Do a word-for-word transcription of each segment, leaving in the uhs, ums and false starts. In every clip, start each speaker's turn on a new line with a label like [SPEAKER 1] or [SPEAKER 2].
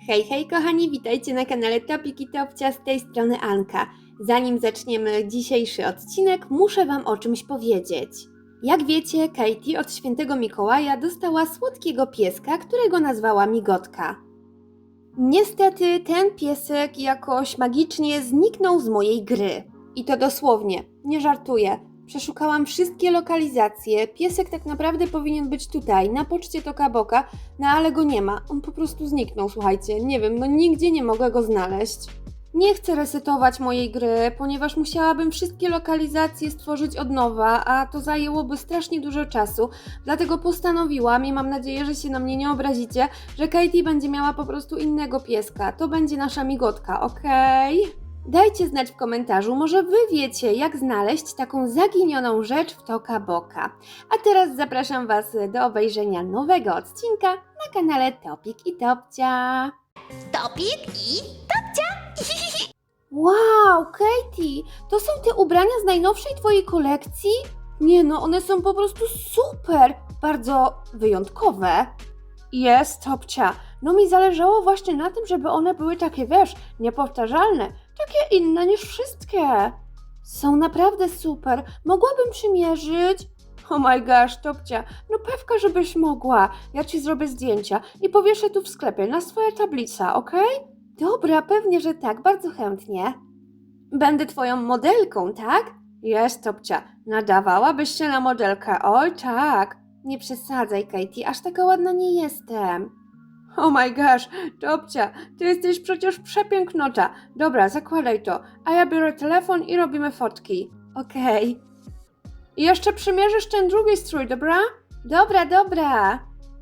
[SPEAKER 1] Hej, hej kochani, witajcie na kanale Topik i Topcia, z tej strony Anka. Zanim zaczniemy dzisiejszy odcinek, muszę Wam o czymś powiedzieć. Jak wiecie, Katie od świętego Mikołaja dostała słodkiego pieska, którego nazwała Migotka. Niestety ten piesek jakoś magicznie zniknął z mojej gry. I to dosłownie, nie żartuję. Przeszukałam wszystkie lokalizacje, piesek tak naprawdę powinien być tutaj, na poczcie Toka Boka, no ale go nie ma, on po prostu zniknął, słuchajcie, nie wiem, no nigdzie nie mogę go znaleźć. Nie chcę resetować mojej gry, ponieważ musiałabym wszystkie lokalizacje stworzyć od nowa, a to zajęłoby strasznie dużo czasu, dlatego postanowiłam i mam nadzieję, że się na mnie nie obrazicie, że Katie będzie miała po prostu innego pieska, to będzie nasza Migotka, okej? Okay? Dajcie znać w komentarzu, może Wy wiecie, jak znaleźć taką zaginioną rzecz w Toka Boka. A teraz zapraszam Was do obejrzenia nowego odcinka na kanale Topik i Topcia.
[SPEAKER 2] Topik i Topcia!
[SPEAKER 1] Wow, Katie, to są te ubrania z najnowszej Twojej kolekcji? Nie no, one są po prostu super, bardzo wyjątkowe. Jest, Topcia, no mi zależało właśnie na tym, żeby one były takie, wiesz, niepowtarzalne, takie inne niż wszystkie. Są naprawdę super, mogłabym przymierzyć? Oh my gosh, Topcia, no pewka, żebyś mogła. Ja Ci zrobię zdjęcia i powieszę tu w sklepie na swoje tablice, okej? Okay? Dobra, pewnie, że tak, bardzo chętnie. Będę Twoją modelką, tak? Jest, Topcia, nadawałabyś się na modelkę, oj tak. Nie przesadzaj, Katie, aż taka ładna nie jestem. Oh my gosh, Topcia, ty jesteś przecież przepięknota. Dobra, zakładaj to, a ja biorę telefon i robimy fotki. Okej. Okay. I jeszcze przymierzysz ten drugi strój, dobra? Dobra, dobra.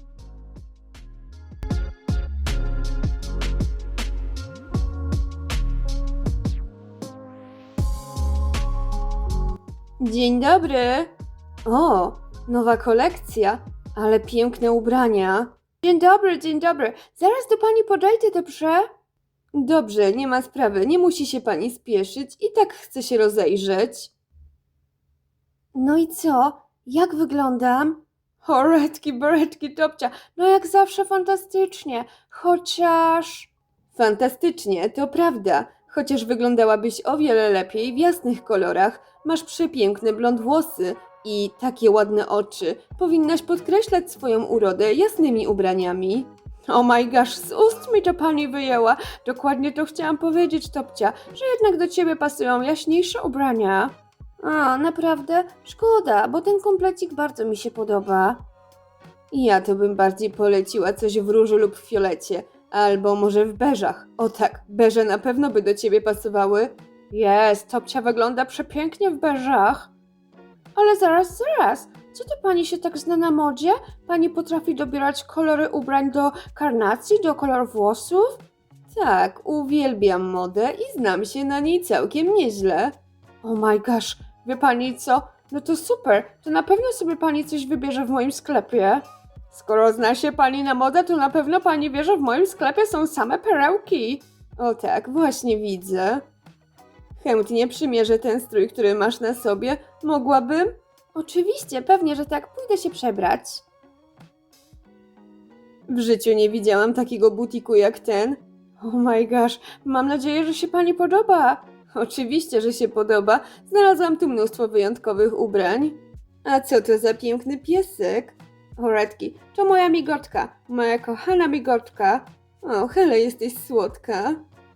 [SPEAKER 1] Dzień dobry. O, nowa kolekcja, ale piękne ubrania. Dzień dobry, dzień dobry. Zaraz do pani podejdę, dobrze? Dobrze, nie ma sprawy, nie musi się pani spieszyć i tak chcę się rozejrzeć. No i co? Jak wyglądam? O, redki, beretki, Topcia, no jak zawsze fantastycznie, chociaż... Fantastycznie, to prawda, chociaż wyglądałabyś o wiele lepiej w jasnych kolorach, masz przepiękne blond włosy i takie ładne oczy. Powinnaś podkreślać swoją urodę jasnymi ubraniami. Oh my gosh, z ust mi to pani wyjęła. Dokładnie to chciałam powiedzieć, Topcia, że jednak do ciebie pasują jaśniejsze ubrania. A, naprawdę? Szkoda, bo ten komplecik bardzo mi się podoba. Ja to bym bardziej poleciła coś w różu lub w fiolecie, albo może w beżach. O tak, beże na pewno by do ciebie pasowały. Jest, Topcia wygląda przepięknie w beżach. Ale zaraz, zaraz, co to pani się tak zna na modzie? Pani potrafi dobierać kolory ubrań do karnacji, do kolorów włosów? Tak, uwielbiam modę i znam się na niej całkiem nieźle. Oh my gosh, wie pani co? No to super, to na pewno sobie pani coś wybierze w moim sklepie. Skoro zna się pani na modę, to na pewno pani wie, że w moim sklepie są same perełki. O tak, właśnie widzę. Chętnie przymierzę ten strój, który masz na sobie. Mogłabym? Oczywiście, pewnie, że tak. Pójdę się przebrać. W życiu nie widziałam takiego butiku jak ten. Oh my gosh, mam nadzieję, że się pani podoba. Oczywiście, że się podoba. Znalazłam tu mnóstwo wyjątkowych ubrań. A co to za piękny piesek? O redki, to moja Migotka, moja kochana Migotka. O, Hele, jesteś słodka.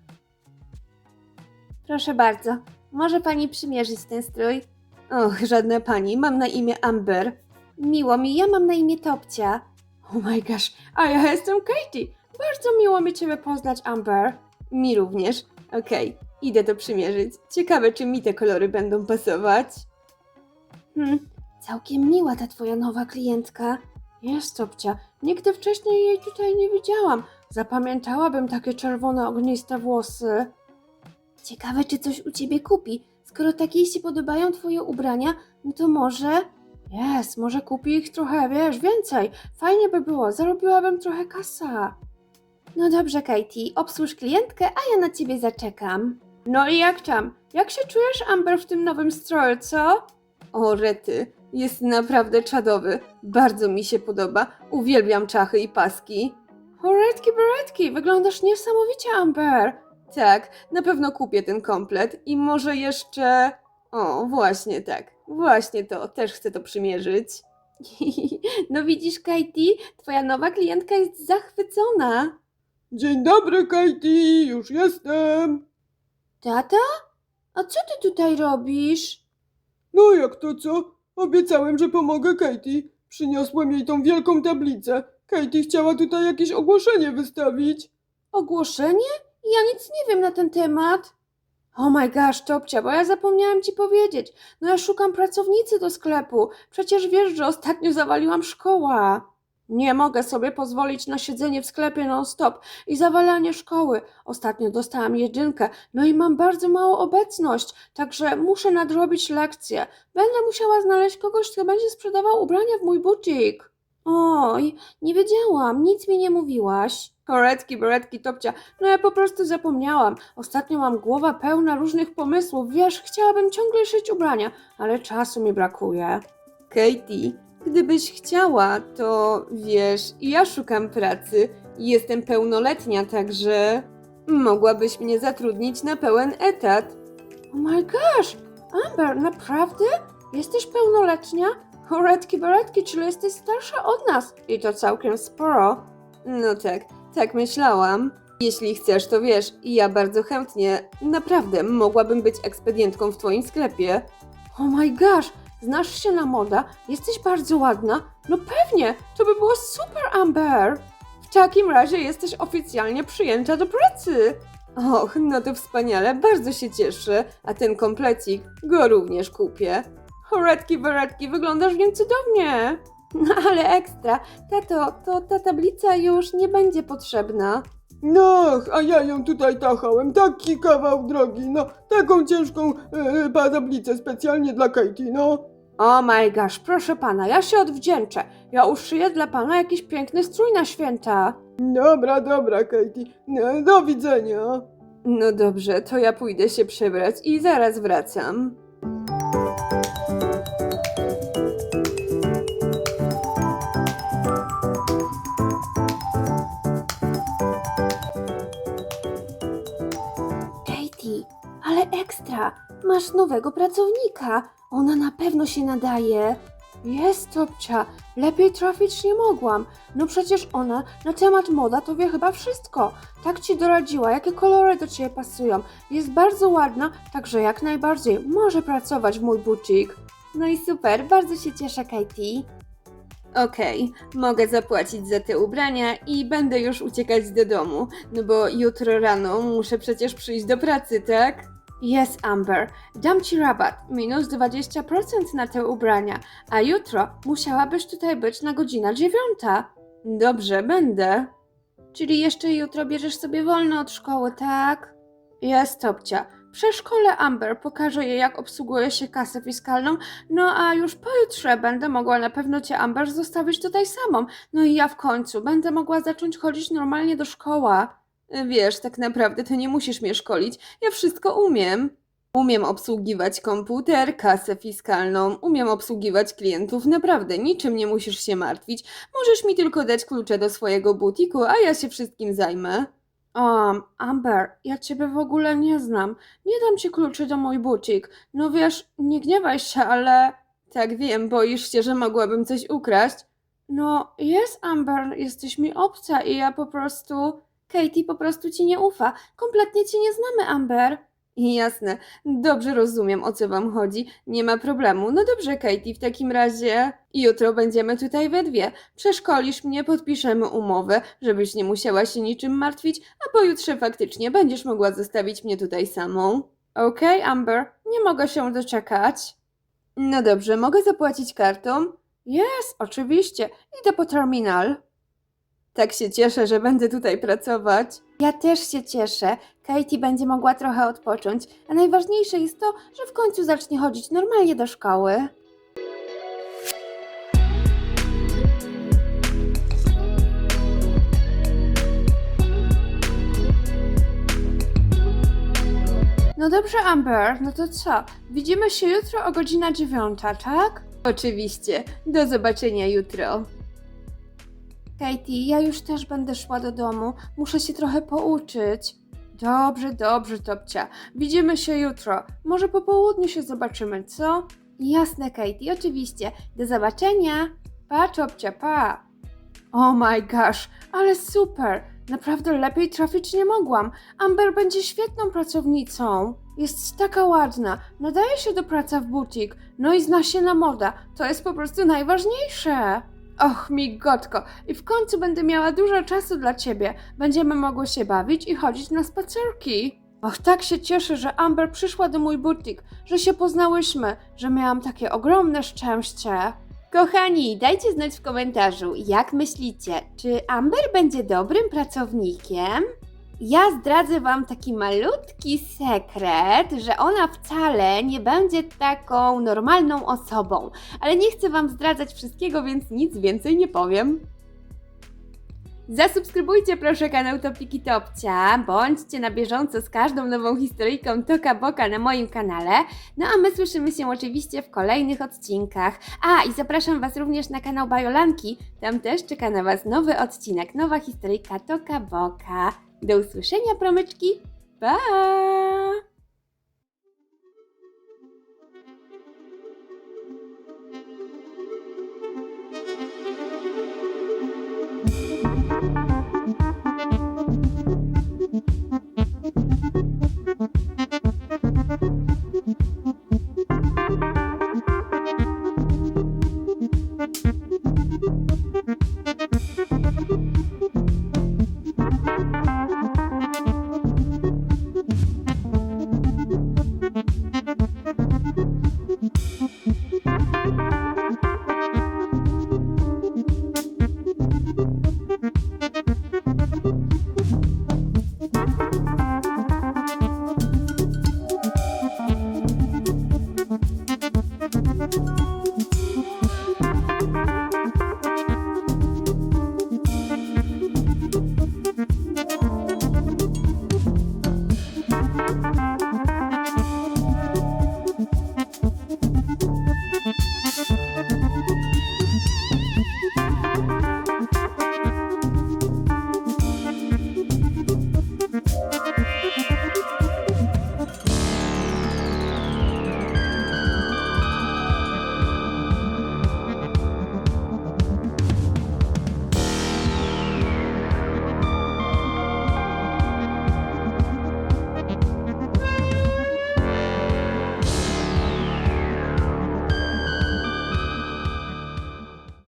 [SPEAKER 1] Proszę bardzo, może pani przymierzyć ten strój? Och, żadna pani, mam na imię Amber. Miło mi, ja mam na imię Topcia. Oh my gosh, a ja jestem Katie. Bardzo miło mi ciebie poznać, Amber. Mi również. Okej, okay, idę to przymierzyć. Ciekawe, czy mi te kolory będą pasować. Hmm, całkiem miła ta twoja nowa klientka. Jest, Topcia, nigdy wcześniej jej tutaj nie widziałam. Zapamiętałabym takie czerwone, ogniste włosy. Ciekawe, czy coś u ciebie kupi. Skoro tak jej się podobają twoje ubrania, no to może... Jest, może kupi ich trochę, wiesz, więcej. Fajnie by było, zarobiłabym trochę kasa. No dobrze, Katie, obsłuż klientkę, a ja na ciebie zaczekam. No i jak tam? Jak się czujesz, Amber, w tym nowym stroju, co? O, rety, jest naprawdę czadowy. Bardzo mi się podoba. Uwielbiam czachy i paski. Horetki, beretki, wyglądasz niesamowicie, Amber. Tak, na pewno kupię ten komplet i może jeszcze... O, właśnie tak, właśnie to, też chcę to przymierzyć. No widzisz, Katie, twoja nowa klientka jest zachwycona.
[SPEAKER 3] Dzień dobry, Katie, już jestem.
[SPEAKER 1] Tata? A co ty tutaj robisz?
[SPEAKER 3] No jak to co? Obiecałem, że pomogę Katie. Przyniosłem jej tą wielką tablicę. Katie chciała tutaj jakieś ogłoszenie wystawić.
[SPEAKER 1] Ogłoszenie? Ja nic nie wiem na ten temat. Oh my gosh, Topcia, bo ja zapomniałam ci powiedzieć. No ja szukam pracownicy do sklepu. Przecież wiesz, że ostatnio zawaliłam szkołę. Nie mogę sobie pozwolić na siedzenie w sklepie non-stop i zawalanie szkoły. Ostatnio dostałam jedynkę, no i mam bardzo małą obecność, także muszę nadrobić lekcje. Będę musiała znaleźć kogoś, kto będzie sprzedawał ubrania w mój butik. Oj, nie wiedziałam, nic mi nie mówiłaś. Koretki, beretki, Topcia, no ja po prostu zapomniałam. Ostatnio mam głowa pełna różnych pomysłów, wiesz, chciałabym ciągle szyć ubrania, ale czasu mi brakuje. Katie, gdybyś chciała, to wiesz, ja szukam pracy i jestem pełnoletnia, także mogłabyś mnie zatrudnić na pełen etat. Oh my gosh, Amber, naprawdę? Jesteś pełnoletnia? Horetki, beretki, czyli jesteś starsza od nas i to całkiem sporo. No tak, tak myślałam. Jeśli chcesz, to wiesz, ja bardzo chętnie, naprawdę, mogłabym być ekspedientką w twoim sklepie. Oh my gosh, znasz się na moda? Jesteś bardzo ładna? No pewnie, to by było super, Amber. W takim razie jesteś oficjalnie przyjęta do pracy. Och, no to wspaniale, bardzo się cieszę, a ten komplecik go również kupię. Horetki, beretki, wyglądasz w nim cudownie. No ale ekstra, tato, to ta tablica już nie będzie potrzebna.
[SPEAKER 3] No, a ja ją tutaj tachałem, taki kawał drogi, no, taką ciężką e, tablicę specjalnie dla Katie, no.
[SPEAKER 1] Oh my gosh, proszę pana, ja się odwdzięczę. Ja uszyję dla pana jakiś piękny strój na święta.
[SPEAKER 3] Dobra, dobra, Katie, no, do widzenia.
[SPEAKER 1] No dobrze, to ja pójdę się przebrać i zaraz wracam. Katie, ale ekstra, masz nowego pracownika. Ona na pewno się nadaje. Jest, Topcia, lepiej trafić nie mogłam. No przecież ona na temat moda to wie chyba wszystko. Tak ci doradziła, jakie kolory do ciebie pasują. Jest bardzo ładna, także jak najbardziej może pracować w mój butik. No i super, bardzo się cieszę, Katie. Okej, mogę zapłacić za te ubrania i będę już uciekać do domu, no bo jutro rano muszę przecież przyjść do pracy, tak? Yes, Amber, dam ci rabat, minus dwadzieścia procent na te ubrania, a jutro musiałabyś tutaj być na godzinę dziewiąta. Dobrze, będę. Czyli jeszcze jutro bierzesz sobie wolno od szkoły, tak? Jest, Topcia. W przedszkole Amber pokaże jej, jak obsługuje się kasę fiskalną, no a już pojutrze będę mogła na pewno cię, Amber, zostawić tutaj samą. No i ja w końcu będę mogła zacząć chodzić normalnie do szkoły. Wiesz, tak naprawdę to nie musisz mnie szkolić, ja wszystko umiem. Umiem obsługiwać komputer, kasę fiskalną, umiem obsługiwać klientów, naprawdę niczym nie musisz się martwić. Możesz mi tylko dać klucze do swojego butiku, a ja się wszystkim zajmę. Um, Amber, ja ciebie w ogóle nie znam. Nie dam ci kluczy do mój butik. No wiesz, nie gniewaj się, ale... Tak wiem, boisz się, że mogłabym coś ukraść? No, jest, Amber, jesteś mi obca i ja po prostu... Katie po prostu ci nie ufa. Kompletnie cię nie znamy, Amber. Jasne, dobrze rozumiem, o co wam chodzi. Nie ma problemu. No dobrze, Katie, w takim razie jutro będziemy tutaj we dwie. Przeszkolisz mnie, podpiszemy umowę, żebyś nie musiała się niczym martwić, a pojutrze faktycznie będziesz mogła zostawić mnie tutaj samą. Okej, okay, Amber, nie mogę się doczekać. No dobrze, mogę zapłacić kartą? Jest, oczywiście. Idę po terminal. Tak się cieszę, że będę tutaj pracować. Ja też się cieszę. Katie będzie mogła trochę odpocząć, a najważniejsze jest to, że w końcu zacznie chodzić normalnie do szkoły. No dobrze, Amber, no to co? Widzimy się jutro o godzina dziewiąta, tak? Oczywiście. Do zobaczenia jutro. Katie, ja już też będę szła do domu. Muszę się trochę pouczyć. Dobrze, dobrze, Topcia. Widzimy się jutro. Może po południu się zobaczymy, co? Jasne, Katie, oczywiście. Do zobaczenia. Pa, Topcia, pa. Oh my gosh, ale super. Naprawdę lepiej trafić nie mogłam. Amber będzie świetną pracownicą. Jest taka ładna, nadaje się do pracy w butik, no i zna się na moda. To jest po prostu najważniejsze. Och, migotko, i w końcu będę miała dużo czasu dla ciebie. Będziemy mogły się bawić i chodzić na spacerki. Och, tak się cieszę, że Amber przyszła do mój butik, że się poznałyśmy, że miałam takie ogromne szczęście. Kochani, dajcie znać w komentarzu, jak myślicie, czy Amber będzie dobrym pracownikiem? Ja zdradzę wam taki malutki sekret, że ona wcale nie będzie taką normalną osobą, ale nie chcę wam zdradzać wszystkiego, więc nic więcej nie powiem. Zasubskrybujcie proszę kanał Topiki Topcia, bądźcie na bieżąco z każdą nową historyjką Toka Boka na moim kanale, no a my słyszymy się oczywiście w kolejnych odcinkach. A i zapraszam was również na kanał Bajolanki, tam też czeka na was nowy odcinek, nowa historyjka Toka Boka. Do usłyszenia, promyczki, pa!